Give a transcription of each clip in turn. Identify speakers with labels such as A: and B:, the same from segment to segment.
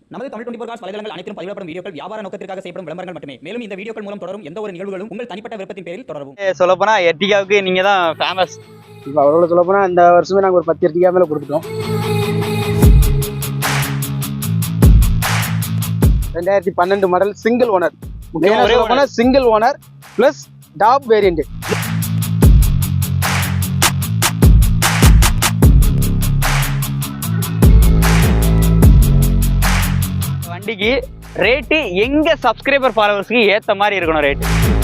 A: நமது தமிழ் 24 காஸ் வலைதளங்கள் அனைத்தும் பதிவிடப்படும் வீடியோக்கள் வியாபார நோக்கத்திற்காக செய்யப்படும் விளம்பரங்கள் மட்டுமே. மேலும் இந்த வீடியோக்கள் மூலம் தொடரும் எந்த ஒரு நிகழ்வுகளும் உங்கள் தனிப்பட்ட விருப்பத்தின் பேரில் தொடரவும்.
B: சொல்லப்போனா எர்டிகாவுக்கு நீங்க தான் ஃபேமஸ்.
C: இப்போ அவ்வளோ சொல்லப்போனா இந்த வருஷமே நாங்கள் ஒரு 10 எர்டிகா மேலே கொடுத்துட்டோம். 2012 மாடல் சிங்கிள் ஓனர். முக்கியமாக single owner plus top variant.
B: வண்டிக்கு ரேட்டு எங்க சப்ஸ்கிரைபர் ஃபாலோவர்ஸ்க்கு ஏத்த மாதிரி இருக்கணும் ரேட்.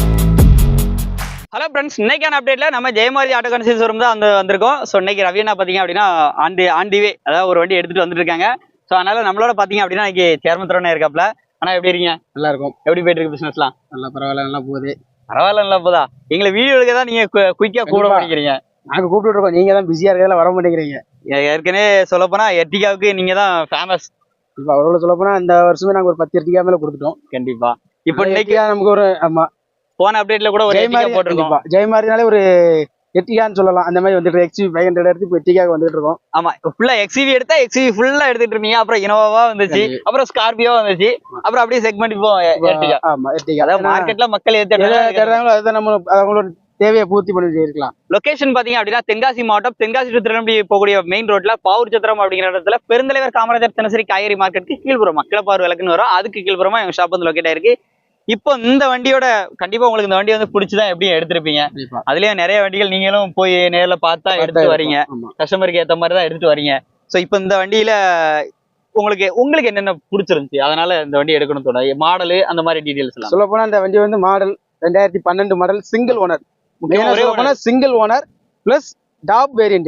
B: ஹலோ ஃப்ரெண்ட்ஸ், இன்னைக்கான அப்டேட்ல நம்ம ஜெயமாரதி ஆட்டோ கன்சல்டன்சி ஷோரூம் தான் வந்திருக்கோம். ஸோ இன்னைக்கு ரவி என்ன பார்த்தீங்க அப்படின்னா ஆன் தி வே, அதாவது ஒரு வண்டி எடுத்துட்டு வந்துட்டு இருக்காங்க. ஸோ அதனால நம்மளோட பார்த்தீங்க அப்படின்னா இன்னைக்கு சேர்மன் தரோனே இருக்காப்ல. ஆனால் எப்படி இருக்கீங்க?
C: நல்லா இருக்கும்.
B: எப்படி போயிட்டு இருக்கு பிசினஸ்லாம்?
C: நல்லா பரவாயில்ல, நல்லா போகுது.
B: பரவாயில்ல, நல்லா போதா? எங்களை வீடியோ எடுக்க தான் நீங்க குயிக்கா கூட பண்ணிக்கிறீங்க.
C: நாங்கள் கூப்பிட்டு இருக்கோம், நீங்க தான் பிஸியா இருக்கிறதுல வர மாட்டேங்கிறீங்க.
B: ஏற்கனவே சொல்ல போனா எர்டிகாவுக்கு நீங்க தான் ஃபேமஸ்.
C: இப்போ அவ்வளோ சொல்லப்போனா இந்த வருஷமே நாங்கள் ஒரு 10 எர்டிகா மேலே கொடுத்துட்டோம்.
B: கண்டிப்பா. இப்போ இன்னைக்கு
C: நமக்கு ஒரு ஆமா
B: போன அப்டேட்ல கூட ஒரு எர்டிகா போட்டிருக்கோம்.
C: ஜெயமாரினாலே ஒரு எர்டிகான்னு சொல்லலாம். அந்த மாதிரி வந்துட்டு XUV 500 எடுத்து இப்போ எர்டிகாக்கு வந்துட்டு இருக்கோம்.
B: ஆமா, ஃபுல்லா XUV எடுத்தா XUV ஃபுல்லா எடுத்துட்டு இருந்தீங்க. அப்புறம் இனோவா வந்துச்சு, அப்புறம் ஸ்கார்பியோ வந்துச்சு, அப்புறம் அப்படியே செக்மெண்ட் இப்போ எர்டிகா.
C: ஆமா, எர்டிகா
B: அதாவது மார்க்கெட்ல மக்கள்
C: தேடுறாங்களோ அதுதான் நம்ம அவங்களோட தேவையை பூர்த்தி பண்ணிட்டு இருக்கலாம்.
B: லொகேஷன் பாத்தீங்க அப்படின்னா தென்காசி மாவட்டம், தென்காசி டு திருநெல்வேலி போகக்கூடிய மெயின் ரோட்ல பாவூர் சத்திரம் அப்படிங்கிற இடத்துல பெருந்தலைவர் காமராஜர் தினசரி காய்கறி மார்க்கெட்டுக்கு கீழ்புறமா கிளப்பாறு விளக்குன்னு வரும். அதுக்கு கீழ்புறமா எங்க ஷாப் வந்து லொக்கேட் ஆயிருக்கு. இப்போ இந்த வண்டியோட கண்டிப்பா உங்களுக்கு இந்த வண்டி வந்து பிடிச்சுதான் எப்படியும் எடுத்திருப்பீங்க. அதுலயும் நிறைய வண்டிகள் நீங்களும் போய் நேர்ல பார்த்தா எடுத்து வரீங்க, கஸ்டமருக்கு ஏத்த மாதிரி தான் எடுத்துட்டு வரீங்க. ஸோ இப்போ இந்த வண்டியில உங்களுக்கு என்னென்ன பிடிச்சிருந்துச்சு, அதனால இந்த வண்டி எடுக்கணும் தோட மாடலு அந்த மாதிரி டீடைல்ஸ்
C: சொல்ல போனா இந்த வண்டி வந்து model 2012 model single owner. Single owner plus top variant.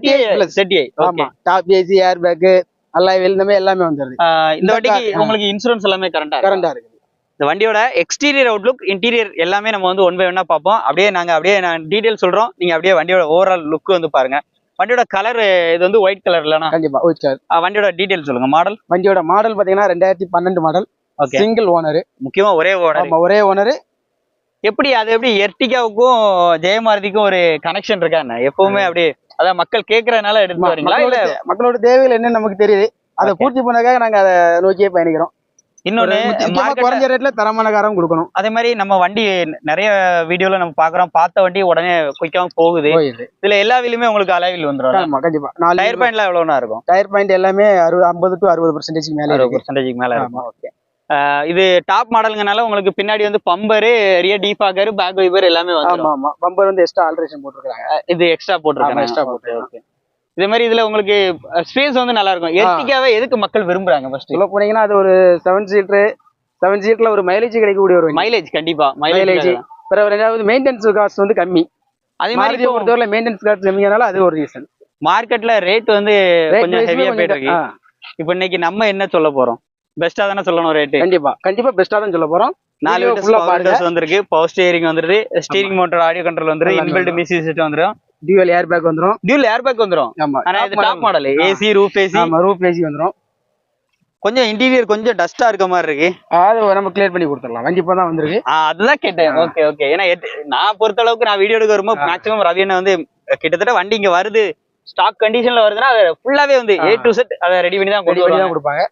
C: ஆமா, top AC, air bag, alloy wheel, இந்த மாதிரி எல்லாமே வந்துருது.
B: இந்த வண்டிக்கு உங்களுக்கு இன்சூரன்ஸ் எல்லாமே கரண்டா இருக்கு. இந்த வண்டியோட எக்ஸ்டீரியர் அவுட்லுக், இன்டீரியர் எல்லாமே நம்ம வந்து ஒன் பை ஒன்னா பார்ப்போம். அப்படியே நான் டீடைல் சொல்றோம், நீங்க அப்படியே வண்டியோட ஓவரால் லுக் வந்து பாருங்க. வண்டியோட கலர் இது வந்து ஒயிட் கலர் இல்லனா?
C: கண்டிப்பா ஒயிட் கலர்.
B: வண்டியோட டீடைல் சொல்லுங்க. மாடல்,
C: வண்டியோட மாடல் பாத்தீங்கன்னா 2012 மாடல் சிங்கிள் ஓனர்.
B: முக்கியமா ஒரே
C: ஓனர்.
B: எப்படி எர்டிகாவுக்கும் ஜெயமாரதிக்கும் ஒரு கனெக்ஷன் இருக்கா என்ன? எப்பவுமே அப்படி அதான் மக்கள் கேட்கறதுனால எடுத்து வரீங்களா? இல்ல
C: மக்களோட தேவைகள் என்னன்னு நமக்கு தெரியுது, அதை பூர்த்தி பண்ணதுக்காக நாங்க அதை நோக்கியே பயணிக்கிறோம்.
B: இன்னொன்னு
C: குறைஞ்ச ரேட்ல தரமான காரம் கொடுக்கணும்.
B: அதே மாதிரி நம்ம வண்டி நிறைய வீடியோல நம்ம பாக்குறோம், பார்த்த வண்டி உடனே குயிக்காவும் போகுது. இதுல எல்லா வீலுமே உங்களுக்கு அலைவில் வந்துடும்.
C: கண்டிப்பா.
B: டயர் பாயிண்ட்ல எவ்வளவுனா இருக்கும்?
C: டயர் பாயிண்ட் எல்லாமே 50 to 60% மேல
B: 60% மேல இருக்கும். ஓகே. இது டாப் மாடலுங்கனால உங்களுக்கு பின்னாடி வந்து bumper, rear defogger, back wiper எல்லாமே வந்து.
C: ஆமா, பம்பர் வந்து எக்ஸ்ட்ரா ஆல்ட்ரேஷன் போட்டுருக்காங்க.
B: இது எக்ஸ்ட்ரா போட்டுருக்காங்க. ஓகே. இதே மாதிரி இதுல உங்களுக்கு ஸ்பேஸ் வந்து நல்லா இருக்கும். எர்டிகாவை எதுக்கு மக்கள் விரும்புறாங்க? ஃபர்ஸ்ட் சொல்ல
C: போனீங்கன்னா அது ஒரு 7 சீட்ல ஒரு மைலேஜ் கிடைக்கக்கூடிய ஒரு
B: மைலேஜ். கண்டிப்பா
C: மைலேஜ். பிறகு ரெண்டாவது மெயின்டெனன்ஸ் காஸ்ட் வந்து கம்மி. அதே மாதிரி பொறுத்தவரை மெயின்டெனன்ஸ் காஸ்ட் கம்மியானால அது ஒரு ரீசன்.
B: மார்க்கெட்ல ரேட் வந்து கொஞ்சம் ஹெவியா போயிட்டு இருக்கு. இப்போ இன்னைக்கு நம்ம என்ன சொல்ல போறோம்? பெஸ்டா தானே சொல்லணும் ரேட்.
C: கண்டிப்பா பெஸ்டா தான் சொல்ல போறோம்.
B: 4 வீலர்ஸ் வந்திருக்கு, பவர் ஸ்டீரிங் வந்துருது, ஸ்டீரிங் மோட்டர், ஆடியோ கண்ட்ரோல் வந்துரு, இன்பில்ட் மியூசிக் சிஸ்டம் வந்துரும்,
C: டியூவல் ஏர் பேக் வந்துரும்.
B: ஆமா, ஆனா இது top model. AC, roof AC.
C: ஆமா, ரூஃப் ஏசி வந்துரும்.
B: கொஞ்சம் இன்டீரியர் கொஞ்சம் டஸ்டா இருக்க மாதிரி இருக்கு,
C: அது நம்ம கிளியர் பண்ணி கொடுத்துடலாம். வண்டி இப்ப தான் வந்திருக்கு.
B: அதுதான் கேட்டேன். ஓகே. ஏன்னா நான் பொறுத்த அளவுக்கு நான் வீடியோ எடுக்க வரும்போது மேக்ஸிமம் ரவி அண்ணா வந்து கிட்டத்தட்ட வண்டி இங்க வருது, ஸ்டாக் கண்டிஷன்ல வருதுன்னா அது ஃபுல்லாவே வந்து A to Z அதை ரெடி பண்ணி தான்
C: கொடுப்பாங்க.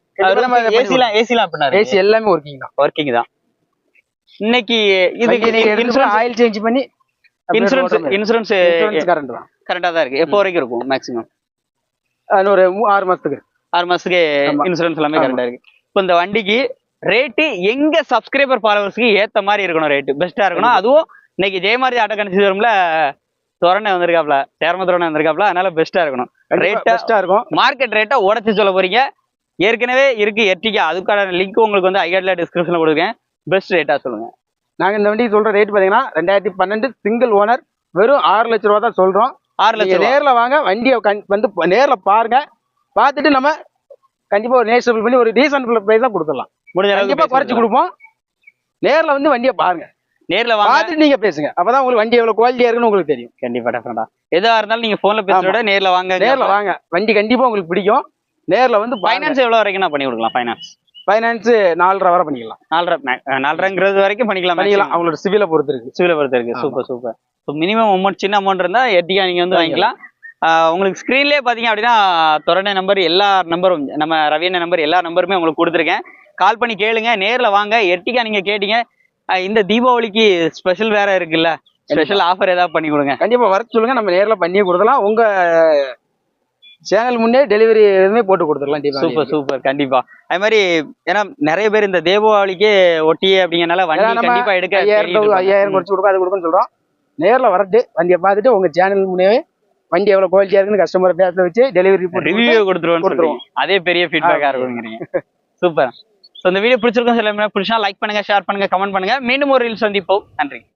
B: ஏசி எல்லாமே ஒர்க்கிங் தான். இன்னைக்கு இதுக்கு
C: ஆயில் சேஞ்ச் பண்ணி
B: இன்சூரன்ஸ் கரெக்டா தான் இருக்கு. எப்போ வரைக்கும் இருக்கும்? மேக்ஸிமம்
C: ஒரு 6 மாசத்துக்கு
B: இன்சூரன்ஸ் எல்லாமே கரெக்டா இருக்கு. இப்போ இந்த வண்டிக்கு ரேட்டு எங்க சப்ஸ்கிரைபர் ஃபாலோவர்ஸ்க்கு ஏத்த மாதிரி இருக்கணும், ரேட்டு பெஸ்டா இருக்கணும். அதுவும் இன்னைக்கு ஜெயமாரதி ஆட்டோ கன்சல்டன்சி ஷோரூம்ல தோரணை வந்திருக்காப்ல, சேர்மன் வந்திருக்காப்ல, அதனால பெஸ்டா இருக்கணும்.
C: ரேட்டா இருக்கும்.
B: மார்க்கெட் ரேட்டை உடச்சு சொல்ல போறீங்க. ஏற்கனவே இருக்கு எர்டிகா, அதுக்கான லிங்க் உங்களுக்கு வந்து ஐகார்ட்ல டிஸ்கிரிப்ஷன்ல கொடுக்குறேன். பெஸ்ட் ரேட்டா சொல்லுங்க.
C: நாங்க இந்த வண்டி சொல்ற ரேட் பாத்தீங்கன்னா 2012 சிங்கிள் ஓனர், வெறும் 6 லட்சம் ரூபா தான் சொல்றோம்.
B: 6 லட்சம்.
C: நேர்ல வாங்க, வண்டியை வந்து நேர்ல பாருங்க, பார்த்துட்டு நம்ம கண்டிப்பா ஒரு நேஷனல் பண்ணி ஒரு டீசன்ட் பிரைஸ் தான் கொடுத்துடலாம். கண்டிப்பா குறைச்சு கொடுப்போம். நேர்ல வந்து வண்டியை பாருங்க, நேர்ல பார்த்துட்டு நீங்க பேசுங்க. அப்பதான் உங்களுக்கு வண்டி எவ்வளவு குவாலிட்டியா இருக்குன்னு உங்களுக்கு தெரியும்.
B: கண்டிப்பா டெஃபரெண்டா எதா இருந்தாலும் நீங்க போன்ல பேசுறத நேர்ல வாங்க.
C: வண்டி கண்டிப்பா உங்களுக்கு பிடிக்கும். நேர்ல வந்து
B: ஃபைனான்ஸ் எவ்வளவு வரைக்கும் நான் பண்ணி கொடுக்கலாம்?
C: ஃபைனான்ஸ் 4.5 வரை பண்ணிக்கலாம்.
B: 4.5 வரைக்கும் பண்ணிக்கலாம்.
C: அவங்களோட சிவிலை பொறுத்து இருக்கு.
B: சூப்பர். மினிமம் அமௌண்ட், சின்ன அமௌண்ட் இருந்தா எர்டிகா நீங்க வந்து வாங்கிக்கலாம். உங்களுக்கு ஸ்க்ரீன்லேயே பார்த்தீங்க அப்படின்னா தொடர்ந்த நம்பர் எல்லா நம்பரும் நம்ம ரவியண்ண நம்பர் எல்லா நம்பருமே உங்களுக்கு கொடுத்துருக்கேன். கால் பண்ணி கேளுங்க, நேரில் வாங்க. எர்டிகா நீங்கள் கேட்டீங்க, இந்த தீபாவளிக்கு ஸ்பெஷல் வேற இருக்குல்ல, ஸ்பெஷல் ஆஃபர் ஏதாவது பண்ணி கொடுங்க.
C: கண்டிப்பா வர சொல்லுங்க, நம்ம நேர்ல பண்ணியே கொடுக்கலாம். உங்க சேனல் முன்னே டெலிவரி எதுவுமே போட்டு கொடுத்துடலாம்.
B: சூப்பர் சூப்பர், கண்டிப்பா. அது மாதிரி ஏன்னா நிறைய பேர் இந்த தீபாவளிக்கு ஒட்டியே அப்படிங்கறனால வண்டி கண்டிப்பா எடுக்க
C: 5000 குறைச்சு கொடுக்கும், அது கொடுக்குன்னு சொல்றோம். நேர்ல வரட்டு வண்டியை பார்த்துட்டு உங்க சேனல் முன்னே வண்டி எவ்வளவு குவாலிட்டியா இருக்குன்னு கஸ்டமர் பேச வச்சு டெலிவரி
B: ரிவ்யூ கொடுத்துருவோம். அதே பெரிய ஃபீட்பேக்கா இருக்குங்கிறீங்க. சூப்பர். ஸோ இந்த வீடியோ பிடிச்சிருக்கோம், சில பிடிச்சா லைக் பண்ணுங்க, ஷேர் பண்ணுங்க, கமெண்ட் பண்ணுங்க. மீண்டும் ஒரு ரீல்ஸ் சந்திப்போம். நன்றி.